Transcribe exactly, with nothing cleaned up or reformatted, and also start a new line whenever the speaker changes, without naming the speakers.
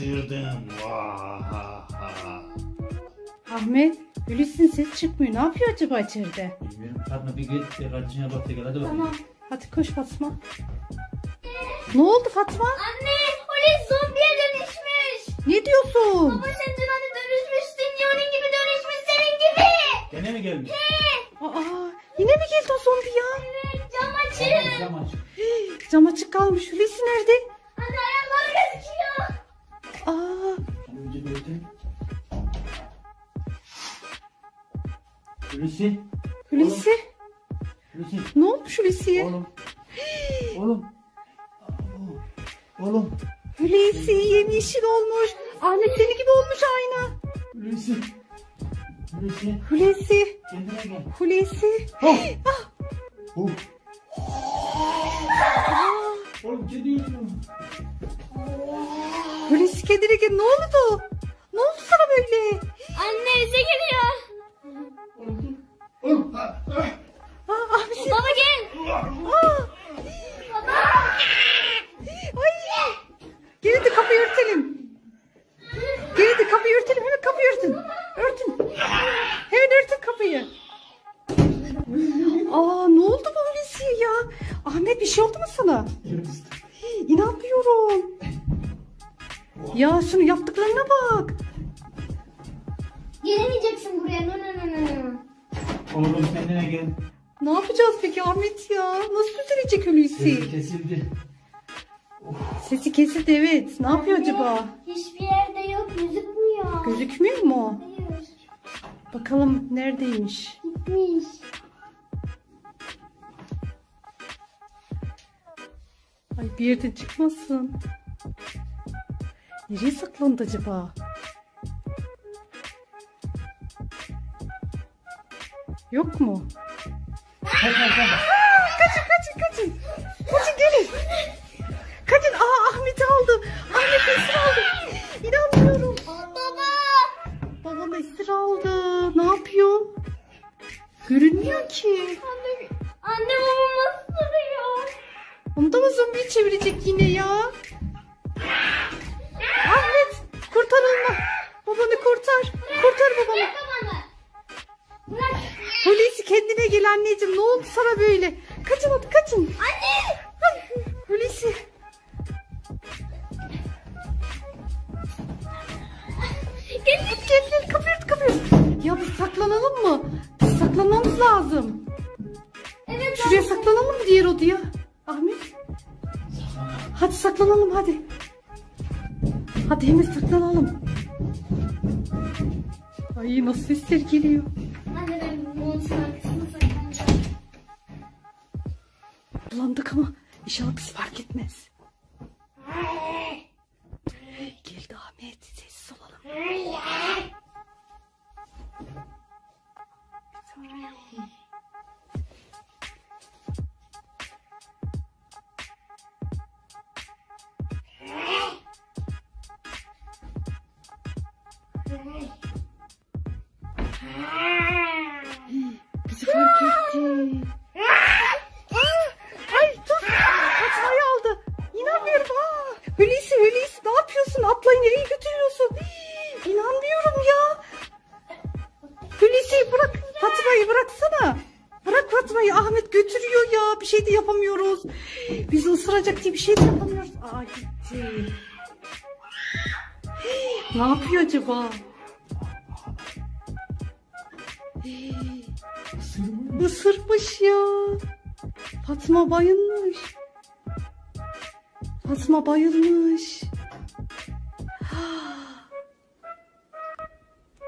kaçırdım. Vahaha.
Ahmet, Hulusi'nin ses çıkmıyor. Ne yapıyor acaba içeride?
Bilmiyorum. Fatma bir git de kardeşine bak da gel hadi bakalım.
Tamam. Hadi koş Fatma. Ne oldu Fatma?
Anne, Hulusi zombiye dönüşmüş.
Ne diyorsun?
Baba sen dün hani dönüşmüştün ya, onun gibi dönüşmüş senin gibi.
Gene mi gelmiş?
Aa, yine mi geldi o zombi ya?
Evet, cam açın.
Cam aç.
Hii, Cam açık kalmış. Hulusi nerede?
Anne ayakları gözüküyor.
Aa,
Önce böyle. Hulusi.
Hulusi.
Hulusi.
Ne olmuş Hulusi'ye?
Oğlum. Oğlum. Oğlum.
Hulusi yemyeşil olmuş. Ahmet seni gibi olmuş aynı.
Hulusi. Hulusi.
Hulusi.
Kendine gel.
Hulusi.
Oh.
Ah,
Oh. Oğlum kedi yüzüyor.
Hulusi kendine gel. Ne oldu? Ne oldu sana böyle?
Anne bize geliyor.
Oğlum. Oğlum. Ah, ah.
Aa, Ahmet sen-
Baba gel.
Aa. Ay. Gelin de kapıyı örtelim. Gelin de kapıyı örtelim. Hemen kapıyı örtün. Örtün. Hemen örtün kapıyı. Aa, ne oldu bu Hulusi'ye ya? Ahmet bir şey oldu mu sana? Hii, İnanmıyorum. Ya şunu yaptıklarına bak.
Gelemeyeceksin buraya. No no no no no.
Oğlum kendine gel.
Ne yapacağız peki Ahmet ya? Nasıl düzelecek Hulusi?
Sesi kesildi.
Sesi kesildi evet. Ne yapıyor acaba?
Hiçbir yerde yok, gözükmüyor.
Gözükmüyor mu?
Hayır,
Bakalım neredeymiş?
gitmiş.
Ay bir yerden çıkmasın. Nereye saklandı acaba? Yok mu?
Kaç kaç kaç.
Kaçın kaçın kaçın. Kaçın gelin. Kaçın. Aa Ahmet'i aldı. Ahmet esir aldı. İnanmıyorum.
Baba.
Babam esir aldı. Ne yapıyor? Görünmüyor ki.
Anne, anne babam nasıl duruyor?
Onu da mı zombiyi çevirecek yine ya? Ahmet kurtar onu. Babanı kurtar. Kurtar babanı.
Bırak babanı. Bırak.
Hulusi kendine gel anneciğim. Ne oldu sana böyle? Kaçın hadi kaçın.
Anne.
Ay, Hulusi.
Gel.
Hadi gel gel kapıyı ört kapıyı ört. Ya biz saklanalım mı? Biz saklanmamız lazım.
Evet.
Şuraya saklanalım mı diğer odaya? Ahmet. Hadi saklanalım hadi. Hadi hemen saklanalım. Ay nasıl sesler geliyor.
Anne ben monsun arkasına saklanacağım.
Bulandık ama inşallah bizi fark etmez. Geldi Ahmet. Sessiz olalım. Bizi fark etti. Ay dur. Fatma'yı aldı. İnanmıyorum. Aa, Hulusi Hulusi ne yapıyorsun? Atlayı nereye götürüyorsun? Hii, İnanmıyorum ya. Hulusi bırak. Fatma'yı bıraksana. Bırak Fatma'yı. Ahmet götürüyor ya. Bir şey de yapamıyoruz. Bizi ısıracak diye bir şey de yapamıyoruz. Aa gitti. Hii, Ne yapıyor acaba? Hii, Isırmış ya. Fatma bayılmış. Fatma bayılmış.